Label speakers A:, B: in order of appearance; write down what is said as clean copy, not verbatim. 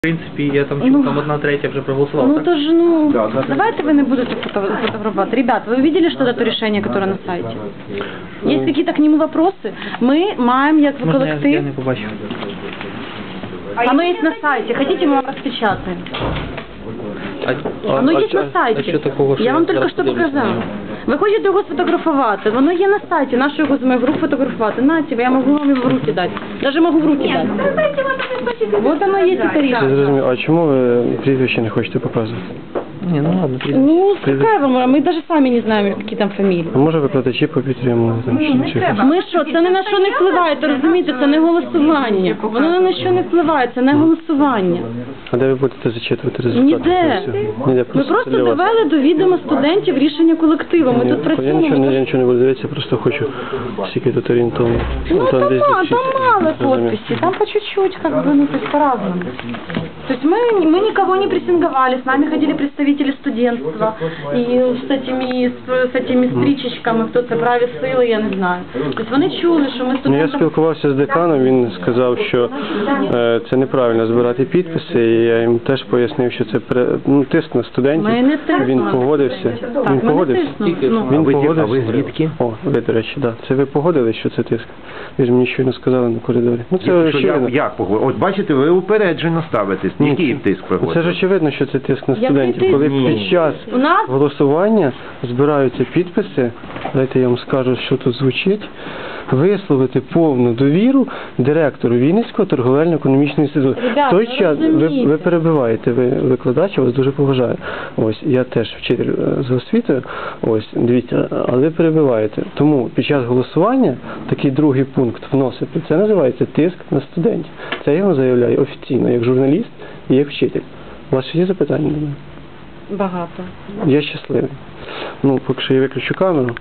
A: В принципі, я там чув, там 1/3 вже проголосувала.
B: Ну
A: так?
B: то ж, давайте вы не будете фотографировать. Ребят, вы видели что-то решение, которое на сайте? Есть какие-то к нему вопросы? Мы маем, як
A: Можна я
B: колектив.
A: не побачив.
B: Оно есть на сайте. Хотите, мы вам распечатаем?
A: А
B: Оно есть на
A: що
B: сайті.
A: такого, що
B: Я вам тільки
A: зараз
B: що
A: подивлюсь на
B: показала.
A: нього?
B: Ви хочете його сфотографувати? Воно є на сайті. Нашу його з моїх рук фотографувати. На тебе, я можу вам його в руки дати. Даже можу в руки дати. Вот оно є це
C: Я
B: рішення.
C: зрозумів. А чому ви прізвище не хочете показувати?
A: Ні, ну ладно,
B: Ну, какая вам, мы даже сами не знаем, які там фамілії.
C: А може викладачі попідтримали там чи щось?
B: Ми що, це ні на що не впливає, то розумієте, це не голосування. Воно ні на що не впливає, це не голосування.
C: А де ви будете зачитувати результати?
B: Ніде.
C: Ніде
B: Ми
C: просто
B: просто
C: для вас.
B: довели до відома студентів рішення колективу. Ми тут
C: Я
B: працюємо.
C: нічого не буду дивитися, просто хочу скільки тут орієнтовно.
B: Ну, там
C: десь
B: мало,
C: 200.
B: там мало
C: Зрозумів.
B: подписей, там по чуть-чуть, как бы, ну, то есть по-разному. То есть мы никого не прессинговали, с нами ходили представители студентства, и с этими стрічечками, хто це праві сили, я не знаю. Тобто вони чули, що ми
C: Ну, я
B: студентам...
C: спілкувався з деканом, він сказав, що це неправильно збирати підписи, і я їм теж пояснив, що це тиск на студентів.
B: Ми не тиснули.
C: Він погодився.
B: Так,
C: Він
B: ми не
C: погодився.
B: тиснули. Ну.
C: Він
A: А ви
C: погодився.
A: звідки?
C: О, ви, до речі, да. Це ви погодились, що це тиск? Ви ж мені щойно сказали на коридорі. Ну, це очевидно.
D: Як поговорю? От бачите, ви упереджено ставитесь. Який тиск
C: Це
D: проходить?
C: ж очевидно, що це тиск на
B: Який
C: студентів.
B: тиск?
C: Коли
D: Ні.
C: під час
B: У нас
C: голосування збираються підписи, дайте я вам скажу, що тут звучить, висловити повну довіру директору Вінницького торговельно-економічного інституту.
B: Ребята,
C: В той
B: ви
C: час
B: розумієте.
C: ви перебиваєте, ви викладач, я вас дуже поважаю. Ось, я теж вчитель з освітою, ось, дивіться, але ви перебиваєте. Тому під час голосування такий другий пункт вносити, це називається тиск на студентів. Це я вам заявляю офіційно, як журналіст і як вчитель. У вас ще є запитання до мене?
B: багато.
C: Я щасливий. Ну, поки що я виключу камеру.